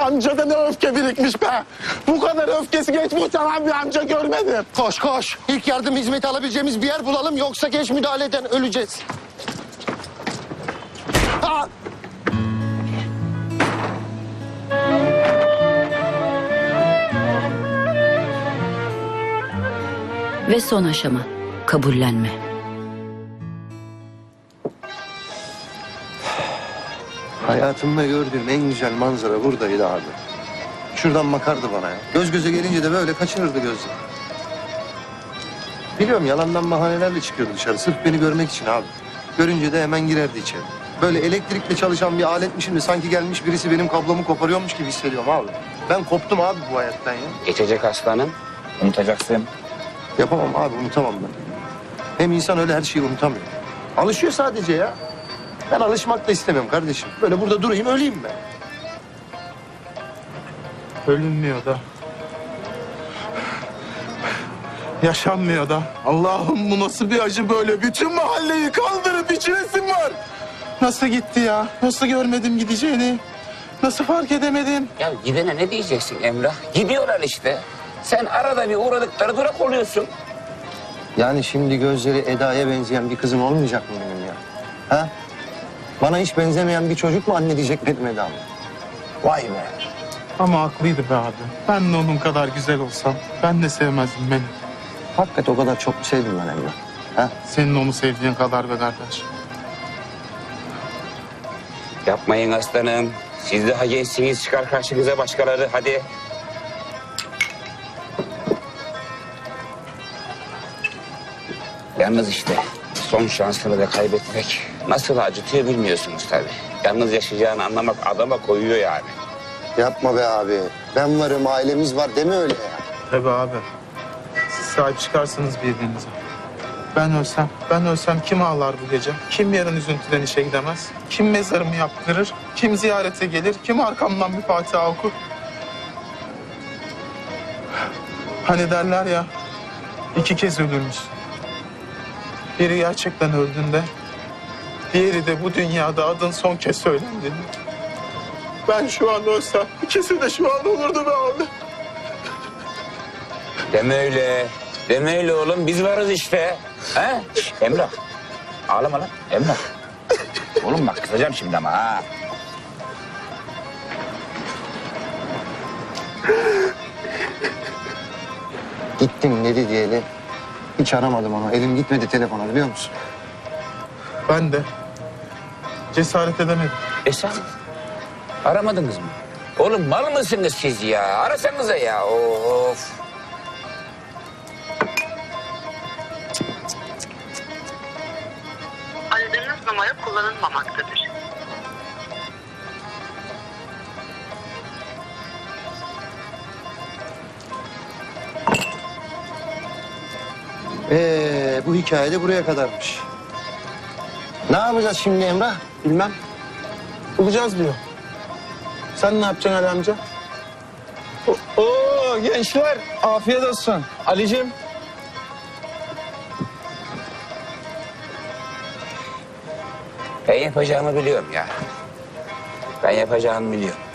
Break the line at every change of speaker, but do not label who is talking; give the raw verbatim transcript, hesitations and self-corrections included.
amcada ne öfke birikmiş be. Bu kadar öfkesi geç boşanan bir amca görmedim.
Koş koş. İlk yardım hizmeti alabileceğimiz bir yer bulalım. Yoksa geç müdahaleden öleceğiz.
Ha!
Ve son aşama, kabullenme.
Hayatımda gördüğüm en güzel manzara buradaydı abi. Şuradan bakardı bana ya. Göz göze gelince de böyle kaçırırdı gözleri. Biliyorum yalandan bahanelerle çıkıyordu dışarı. Sırf beni görmek için abi. Görünce de hemen girerdi içeri. Böyle elektrikle çalışan bir aletmişim de sanki gelmiş birisi benim kablomu koparıyormuş gibi hissediyorum abi. Ben koptum abi bu hayattan ya.
Geçecek aslanım. Unutacaksın.
Yapamam abi, unutamam ben. Hem insan öyle her şeyi unutamıyor. Alışıyor sadece ya. Ben alışmak da istemiyorum kardeşim. Böyle burada durayım, öleyim ben.
Ölünmüyor da. Yaşanmıyor da. Allah'ım bu nasıl bir acı böyle? Bütün mahalleyi kaldırıp içiresim var. Nasıl gitti ya? Nasıl görmedim gideceğini? Nasıl fark edemedim?
Ya gidene ne diyeceksin Emrah? Gidiyorlar işte. Sen arada bir uğradıkları durak oluyorsun.
Yani şimdi gözleri Eda'ya benzeyen bir kızım olmayacak mı benim ya? Ha? Bana hiç benzemeyen bir çocuk mu anne diyecek benim Eda'm? Vay be.
Ama haklıydı be abi. Ben de onun kadar güzel olsam ben de sevmezdim beni.
Hakikaten o kadar çok sevdim ben Emrah. Ha?
Senin onu sevdiğin kadar be kardeş.
Yapmayın aslanım. Siz daha gençsiniz. Çıkar karşınıza başkaları. Hadi. Yalnız işte son şansını da kaybetmek nasıl acıtıyor bilmiyorsunuz tabii. Yalnız yaşayacağını anlamak adama koyuyor yani.
Yapma be abi. Ben varım, ailemiz var deme öyle ya.
Tabii abi. Siz sahip çıkarsınız birbirinize. Ben ölsem, ben ölsem kim ağlar bu gece? Kim yarın üzüntüden işe gidemez? Kim mezarımı yaptırır? Kim ziyarete gelir? Kim arkamdan bir Fatiha okur? Hani derler ya, iki kez ölürmüş. Biri gerçekten öldüğünde, diğeri de bu dünyada adın son kez söylendiğinde. Ben şu an ölsem, ikisi de şu an olurdu be abi.
Deme öyle. Deme öyle oğlum. Biz varız işte. He? Şş, Emrah. Ağlama lan. Emrah. Oğlum bak kızacağım şimdi ama ha.
Gittim dedi diyeli. Hiç aramadım onu. Elim gitmedi telefona biliyor musun?
Ben de cesaret edemedim.
E sen aramadınız mı? Oğlum mal mısınız siz ya? Arasanıza ya. Of.
Aradığınız numara kullanılmamaktadır.
Ee, bu hikaye de buraya kadarmış. Ne yapacağız şimdi Emrah? Bilmem.
Bulacağız diyor. Sen ne yapacaksın Ali amca?
Oo gençler afiyet olsun. Ali'cim.
Ben yapacağımı biliyorum ya. Ben yapacağımı biliyorum.